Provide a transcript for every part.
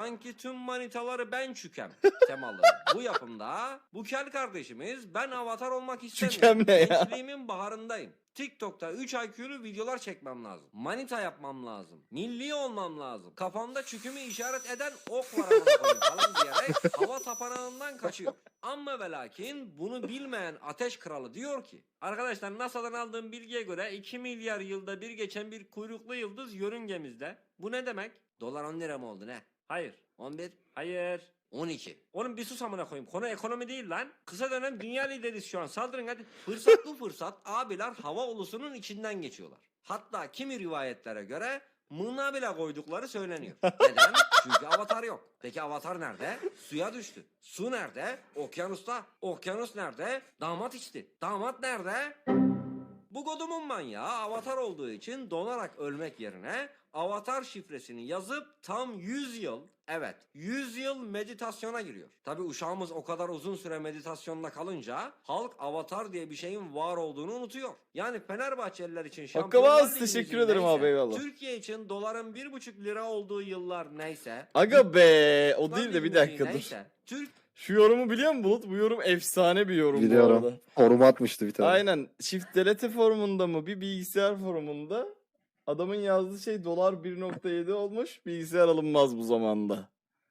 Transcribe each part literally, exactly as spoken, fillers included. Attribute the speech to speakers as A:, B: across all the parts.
A: Sanki tüm manitaları ben çükem temalı bu yapımda bu kel kardeşimiz ben avatar olmak istemiyorum.
B: Çükem ne ya?
A: Gençliğimin baharındayım. TikTok'ta üç I Q'lu videolar çekmem lazım. Manita yapmam lazım. Milli olmam lazım. Kafamda çükümü işaret eden ok var amına koyayım falan diyerek hava tapanağından kaçıyor. Amma ve lakin bunu bilmeyen Ateş Kralı diyor ki arkadaşlar NASA'dan aldığım bilgiye göre iki milyar yılda bir geçen bir kuyruklu yıldız yörüngemizde. Bu ne demek? Dolar on lira mı oldu ne? Hayır. on bir. Hayır. on iki. Oğlum bir sus amına koyayım. Konu ekonomi değil lan. Kısa dönem dünya lideriz şu an. Saldırın hadi. Fırsat bu fırsat. Abiler hava ulusunun içinden geçiyorlar. Hatta kimi rivayetlere göre mığına bile koydukları söyleniyor. Neden? Çünkü avatar yok. Peki avatar nerede? Suya düştü. Su nerede? Okyanusta. Okyanus nerede? Damat içti. Damat nerede? Bu godumun manyağı avatar olduğu için donarak ölmek yerine avatar şifresini yazıp tam yüz yıl, evet yüz yıl meditasyona giriyor. Tabi uşağımız o kadar uzun süre meditasyonda kalınca halk avatar diye bir şeyin var olduğunu unutuyor. Yani Fenerbahçeliler için Şampiyonlar
B: Hakkı
A: Ligi'nin
B: teşekkür ederim
A: neyse,
B: abi, eyvallah.
A: Türkiye için doların bir buçuk lira olduğu yıllar neyse.
B: Aga be, o değil de
A: Şampiyonlar
B: bir
A: Ligi
B: dakika dur.
A: neyse, Türk
B: Şu yorumu biliyor musun Bulut? Bu yorum efsane bir yorum bu
C: Biliyorum.
B: arada.
C: Forum atmıştı bir tane.
B: Aynen. Çift delete forumunda mı bir bilgisayar forumunda adamın yazdığı şey dolar bir nokta yedi olmuş. Bilgisayar alınmaz bu zamanda.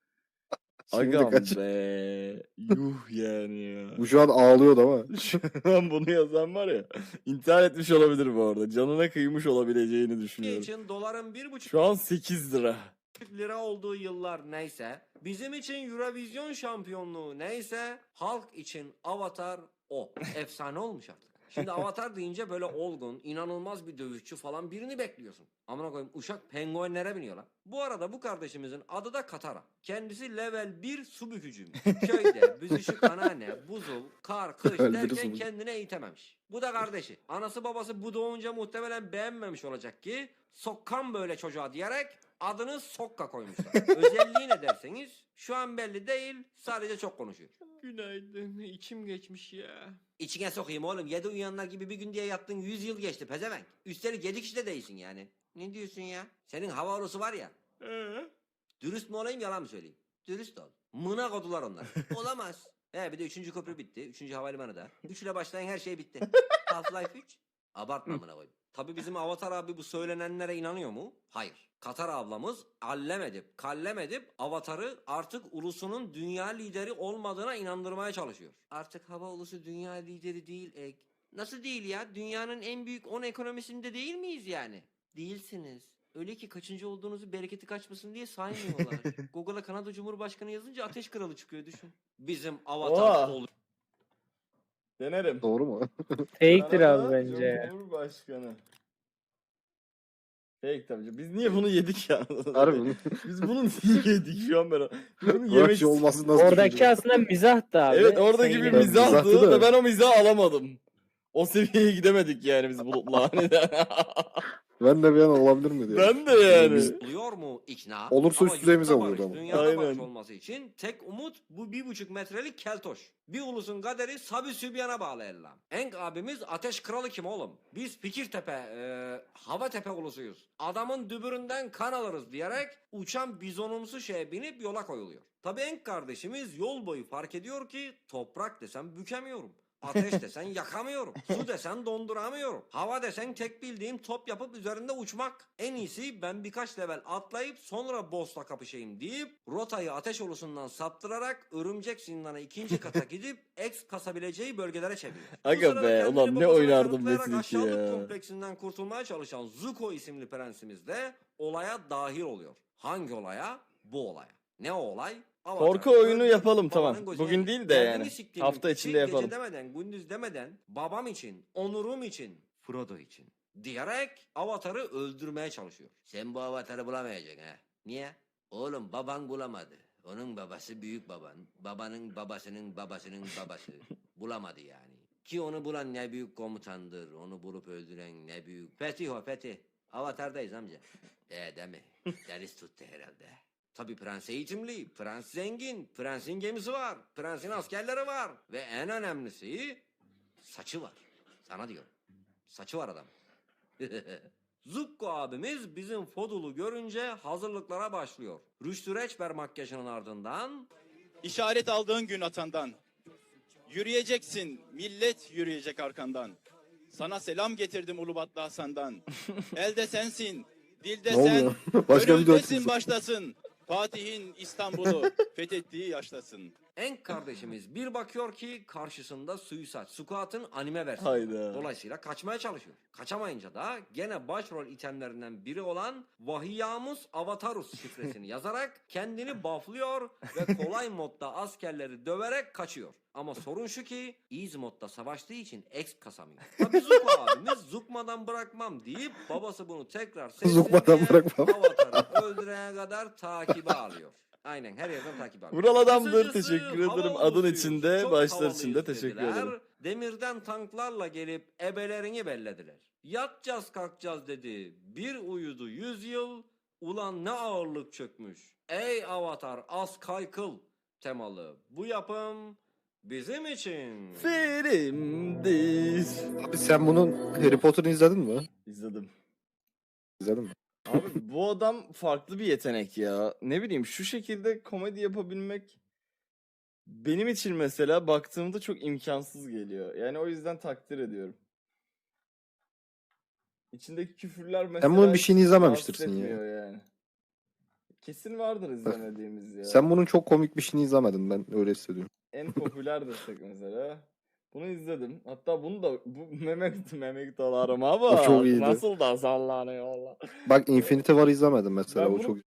C: Şimdi
B: Agam
C: kaç?
B: be. Yuh yani ya.
C: Bu şu an ağlıyordu ama.
B: Şu an bunu yazan var ya. İntihar etmiş olabilir bu arada. Canına kıymış olabileceğini
A: Türkiye
B: düşünüyorum.
A: için doların bir buçuk
B: Şu an sekiz lira.
A: lira olduğu yıllar neyse, bizim için Eurovision şampiyonluğu neyse, halk için Avatar o. Efsane olmuş artık. Şimdi Avatar deyince böyle olgun, inanılmaz bir dövüşçü falan birini bekliyorsun. Amına koyayım uşak penguenlere biniyor lan. Bu arada bu kardeşimizin adı da Katara. Kendisi level bir su bükücüymüş. Köyde büzüşük anneanne, buzul, kar, kış
C: Level bir
A: derken
C: su bükücü.
A: kendine eğitememiş. Bu da kardeşi. Anası babası bu doğunca muhtemelen beğenmemiş olacak ki sokkan böyle çocuğa diyerek adını Sokka koymuşlar. Özelliği ne derseniz şu an belli değil, sadece çok konuşuyor. Günaydın, içim geçmiş ya. İçine sokayım oğlum, yedi uyuyanlar gibi bir gün diye yattın, yüz yıl geçti pezevenk. Üstelik yedi kişi de değilsin yani. Ne diyorsun ya? Senin hava orosu var ya. Ee? Dürüst mü olayım yalan mı söyleyeyim? Dürüst ol. Mına kodular onlar. Olamaz. He bir de üçüncü köprü bitti. Üçüncü havalimanı da. Üç ile başlayan her şey bitti. Half-Life üç. Abartma amına koyayım. Tabii bizim Avatar abi bu söylenenlere inanıyor mu? Hayır. Katar ablamız allem edip, kallem edip Avatar'ı artık ulusunun dünya lideri olmadığına inandırmaya çalışıyor. Artık hava ulusu dünya lideri değil Ek. Nasıl değil ya? Dünyanın en büyük on ekonomisinde değil miyiz yani? Değilsiniz. Öyle ki kaçıncı olduğunuzu bereketi kaçmasın diye saymıyorlar. Google'a Kanada Cumhurbaşkanı yazınca Ateş Kralı çıkıyor düşün. Bizim Avatar
B: Oha.
A: ol.
B: Denerim.
C: Doğru mu?
D: Fake'tir
B: Kanada
D: abi bence ya.
B: Cumhurbaşkanı. Fake tabii. Biz niye bunu yedik ya?
C: Harbi mi?
B: Biz bunu niye yedik şu an ben? Biz bunu yemek
C: Rakçı olması nasıl
D: Oradaki
C: düşünüyor?
D: aslında mizahtı abi.
B: Evet oradaki
D: Sen
B: bir
D: yine-
C: miz-
B: mizahtı
C: mizahtı da.
B: ve ben o mizahı alamadım. O seviyeye gidemedik yani biz Bulut'la.
C: Ben de bir an olabilir mi diye.
B: Ben de yani.
C: Biz-
A: Oluyor mu ikna?
C: Olursa
A: Ama
C: üst düzeyimize
A: yurtta
C: oluyordu
A: barış,
C: ama.
A: Dünyada
B: Aynen.
A: barış olması için tek umut bu bir buçuk metrelik keltoş. Bir ulusun kaderi Sabi Sübyan'a bağlı ellam. Enk abimiz Ateş Kralı kim oğlum? Biz Fikirtepe, e, Havatepe ulusuyuz. Adamın dübüründen kan alırız diyerek uçan bizonumsu şeye binip yola koyuluyor. Tabi Enk kardeşimiz yol boyu fark ediyor ki toprak desem bükemiyorum. Ateş desen yakamıyorum. Su desen donduramıyorum. Hava desen tek bildiğim top yapıp üzerinde uçmak. En iyisi ben birkaç level atlayıp sonra boss'la kapışayım deyip rotayı ateş ulusundan saptırarak örümcek zindana ikinci kata gidip X kasabileceği bölgelere çeviriyor. Bu
B: Aga
A: sırada
B: be,
A: kendini
B: ulan ne
A: babasına
B: oynardım
A: kanıtlayarak
B: Metin iki
A: aşağılık
B: ya.
A: kompleksinden kurtulmaya çalışan Zuko isimli prensimiz de olaya dahil oluyor. Hangi olaya? Bu olaya. Ne o olay? Avatar.
B: Korku oyunu
A: Öldür,
B: yapalım,
A: babanın
B: tamam.
A: gözüne
B: Bugün
A: gir.
B: değil de
A: Kendini
B: yani.
A: siktiğimin
B: Hafta
A: piçi,
B: içinde yapalım.
A: Gece demeden, gündüz demeden, babam için, onurum için, Frodo için diyerek Avatar'ı öldürmeye çalışıyor. Sen bu Avatar'ı bulamayacaksın ha. Niye? Oğlum baban bulamadı. Onun babası büyük baban. Babanın babasının babasının babası. Bulamadı yani. Ki onu bulan ne büyük komutandır. Onu bulup öldüren ne büyük. Fetih o Fetih. Avatar'dayız amca. E değil mi? Deniz tuttu herhalde. Tabii prens eğitimli, prens zengin, prensin gemisi var, prensin askerleri var ve en önemlisi saçı var. Sana diyorum. Saçı var adam. Zukko abimiz bizim Fodul'u görünce hazırlıklara başlıyor. Rüştü Reçber makyajının ardından
E: İşaret aldığın gün atandan. Yürüyeceksin, millet yürüyecek arkandan. Sana selam getirdim Ulubatlı Hasan'dan. Elde sensin, dilde
C: Ne
E: sen,
C: oluyor? Başka bir
E: gönüldesin
C: dört
E: başlasın. Fatih'in İstanbul'u fethettiği yaşlasın.
A: Enk kardeşimiz bir bakıyor ki karşısında Suicide Squad'ın anime versiyonu.
B: Hayda.
A: Dolayısıyla kaçmaya çalışıyor. Kaçamayınca da gene başrol itemlerinden biri olan Vahiyamus Avatarus şifresini yazarak kendini bufflıyor ve kolay modda askerleri döverek kaçıyor. Ama sorun şu ki Easy modda savaştığı için X kasamıyor. Tabi Zuko abimiz Zukmadan bırakmam deyip babası bunu tekrar
C: Zukmadan
A: seslenmeye
C: bırakmam.
A: Avatar'ı öldürene kadar takibe alıyor. Aynen her yerden takip alıyor.
B: Vural adamdır.
A: Kısacası
B: Teşekkür
A: hava
B: ederim. Adın
A: oluşuyuz,
B: içinde,
A: çok
B: başlar
A: havalıyız
B: içinde teşekkür
A: dediler.
B: ederim.
A: Demirden tanklarla gelip ebelerini bellediler. Yatacağız kalkacağız dedi. Bir uyudu yüz yıl. Ulan ne ağırlık çökmüş. Ey avatar az kaykıl temalı. Bu yapım bizim için.
B: Filmdir.
C: Abi sen bunun Harry Potter'ını izledin mi?
B: İzledim.
C: İzledin mi?
B: Abi bu adam farklı bir yetenek ya. Ne bileyim şu şekilde komedi yapabilmek benim için mesela baktığımda çok imkansız geliyor. Yani o yüzden takdir ediyorum. İçindeki küfürler mesela
C: bunun bir
B: hiç
C: şeyini izlememiştirsin
B: rahatsız
C: ya.
B: etmiyor yani. Kesin vardır izlemediğimiz ya.
C: Sen bunun çok komik bir şeyini izlemedin, ben öyle hissediyorum.
B: En popüler desek mesela. Bunu izledim. Hatta bunu da bu Mehmet Mehmet dolarım ama
C: O çok iyiydi.
B: nasıl da sallanıyor Allah.
C: Bak Infinity War'ı izlemedim mesela,
B: Ben
C: o
B: bunu
C: çok